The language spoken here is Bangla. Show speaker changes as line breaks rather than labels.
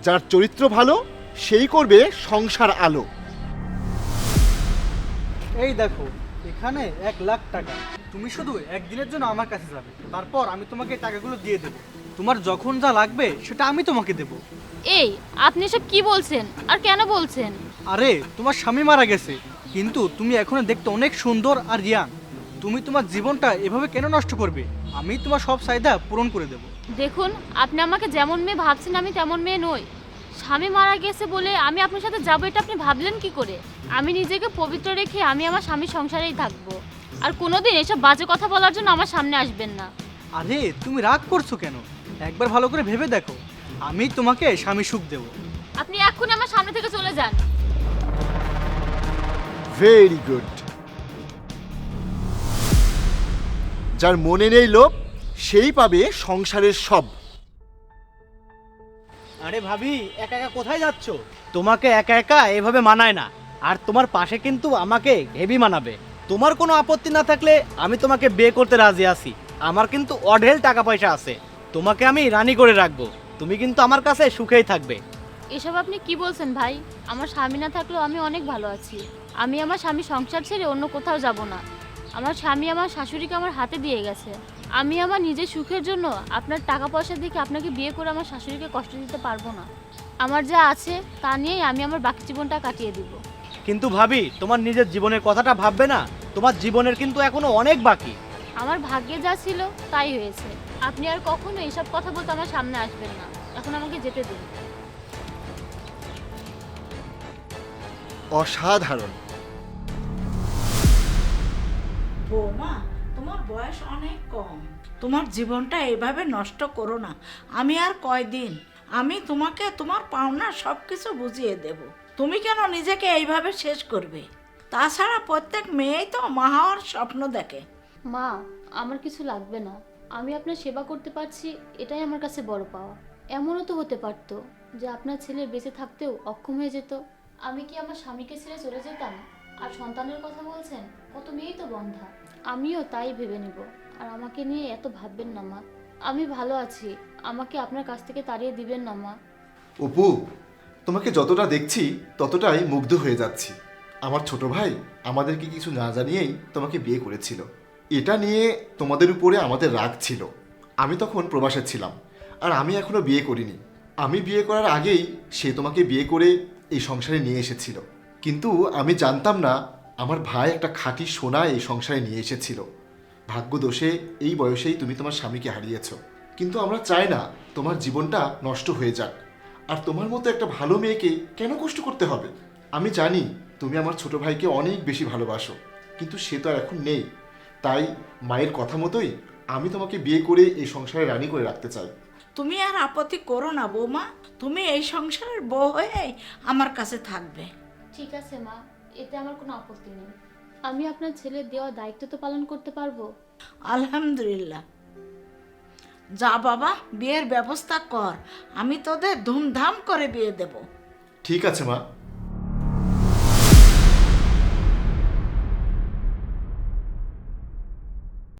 যার চরিত্র ভালো সেই করবে সংসার আলো।
এই দেখো, এখানে 1,00,000 টাকা। তুমি শুধু একদিনের জন্য আমার কাছে যাবে, তারপর আমি তোমাকে টাকাগুলো দিয়ে দেবো। তোমার যখন যা লাগবে সেটা আমি তোমাকে দেবো।
এই, আপনি সব কি বলছেন আর কেন বলছেন?
আরে, তোমার স্বামী মারা গেছে, কিন্তু তুমি এখনো দেখতে অনেক সুন্দর আর ইয়াং। তুমি তোমার জীবনটা এভাবে কেন নষ্ট করবে? আমি তোমার সব চাহিদা পূরণ করে দেবো।
দেখুন, আপনি আমাকে যেমন মেয়ে ভাবছেন আমি তেমন মেয়ে নই। স্বামী মারা গেছে বলে আমি আপনার সাথে যাবো, এটা আপনি ভাবলেন কি করে? আমি নিজেকে পবিত্র রেখে আমি আমার স্বামীর সংসারেই থাকবো। আর কোনোদিন এসব বাজে কথা বলার জন্য আমার সামনে আসবেন না।
আরে, তুমি রাগ করছো কেন? একবার ভালো করে ভেবে দেখো, আমি তোমাকে স্বামী সুখ দেবো।
আপনি এক্ষুনি আমার সামনে থেকে চলে যান।
Very good. যার মনে নেই লোভ সেই পাবে সংসারের সব।
আরে ভাবি, একা একা কোথায় যাচ্ছ? তোমাকে একা একা এভাবে মানায় না, আর তোমার পাশে কিন্তু আমাকে হেভি মানাবে। তোমার কোনো আপত্তি না থাকলে আমি তোমাকে বিয়ে করতে রাজি আছি। আমার কিন্তু অঢেল টাকা পয়সা আছে, তোমাকে আমি রানী করে রাখবো। তুমি কিন্তু আমার কাছে সুখেই থাকবে।
এসব আপনি কি বলছেন ভাই? আমার স্বামী না থাকলেও আমি অনেক ভালো আছি। আমি আমার স্বামী সংসার ছেড়ে অন্য কোথাও যাব না। আমার স্বামী আমার শাশুড়িকে আমার হাতে দিয়ে গেছে। আমি আমার নিজের সুখের জন্য আপনার টাকা পয়সা দেখে আপনাকে বিয়ে করে আমার শাশুড়িকে কষ্ট দিতে পারবো না। আমার যা আছে তা নিয়েই আমি আমার বাকি জীবনটা কাটিয়ে দিব।
কিন্তু ভাবি, তোমার নিজের জীবনের কথাটা ভাববে না? তোমার জীবনের কিন্তু এখনো অনেক বাকি।
আমার ভাগ্যে যা ছিল তাই হয়েছে। আপনি আর কখনো এসব কথা বলতে আমার সামনে আসবেন না। এখন আমাকে যেতে দিন।
অসাধারণ।
বৌমা, তোমার বয়স অনেক কম, তোমার জীবনটা এভাবে নষ্ট করো না। আমি আর কয়দিন, আমি তোমাকে তোমার পাওনা সব কিছু বুঝিয়ে দেব। তুমি কেন নিজেকে এইভাবে শেষ করবে? তাছাড়া প্রত্যেক মেয়েই তো মা হওয়ার স্বপ্ন দেখে।
মা, আমার কিছু লাগবে না। আমি আপনার সেবা করতে পারছি, এটাই আমার কাছে বড় পাওয়া। এমনও তো হতে পারতো যে আপনার ছেলে বেঁচে থাকতেও অক্ষম হয়ে যেত। আমি কি আমার স্বামীকে ছেড়ে চলে যেতাম? আর সন্তানের কথা বলছেন, কত মেয়েই তো বন্ধা। আমিও তাই ভেবে নিব। আর আমাকে নিয়ে এত ভাববেন না মা। আমি ভালো আছি, আমাকে আপনার কাছ থেকে তাড়িয়ে দিবেন না মা।
অপু, তোমাকে যতটা দেখছি ততটাই মুগ্ধ হয়ে যাচ্ছি। আমার ছোট ভাই আমাদেরকে কিছু না জানিয়েই তোমাকে বিয়ে করেছিল। এটা নিয়ে তোমাদের উপরে আমাদের রাগ ছিল। আমি তখন প্রবাসে ছিলাম, আর আমি এখনো বিয়ে করিনি। আমি বিয়ে করার আগেই সে তোমাকে বিয়ে করে এই সংসারে নিয়ে এসেছিল। কিন্তু আমি জানতাম না আমার ভাই একটা খাঁটি সোনা এই সংসারে নিয়ে এসেছিল। ভাগ্যদোষে এই বয়সেই তুমি তোমার স্বামীকে হারিয়েছ। কিন্তু আমরা চাই না তোমার জীবনটা নষ্ট হয়ে যাক। আর তোমার মতো একটা ভালো মেয়েকে কেন কষ্ট করতে হবে? আমি জানি তুমি আমার ছোট ভাইকে অনেক বেশি ভালোবাসো, কিন্তু সে তো আর এখন নেই। তাই মায়ের কথা মতোই আমি তোমাকে বিয়ে করে এই সংসারে রানী করে রাখতে চাই।
তুমি আর আপত্তি করো না বৌমা, তুমি এই সংসারের বউ হয়ে আমার কাছে থাকবে।
ঠিক আছে মা, এতে আমার কোনো আপত্তি নেই। আমি আপনার ছেলের দেওয়া দায়িত্ব তো পালন করতে পারবো।
আলহামদুলিল্লাহ। যা বাবা, বিয়ের ব্যবস্থা কর, আমি তোদের ধুমধাম করে বিয়ে দেব।
ঠিক আছে মা।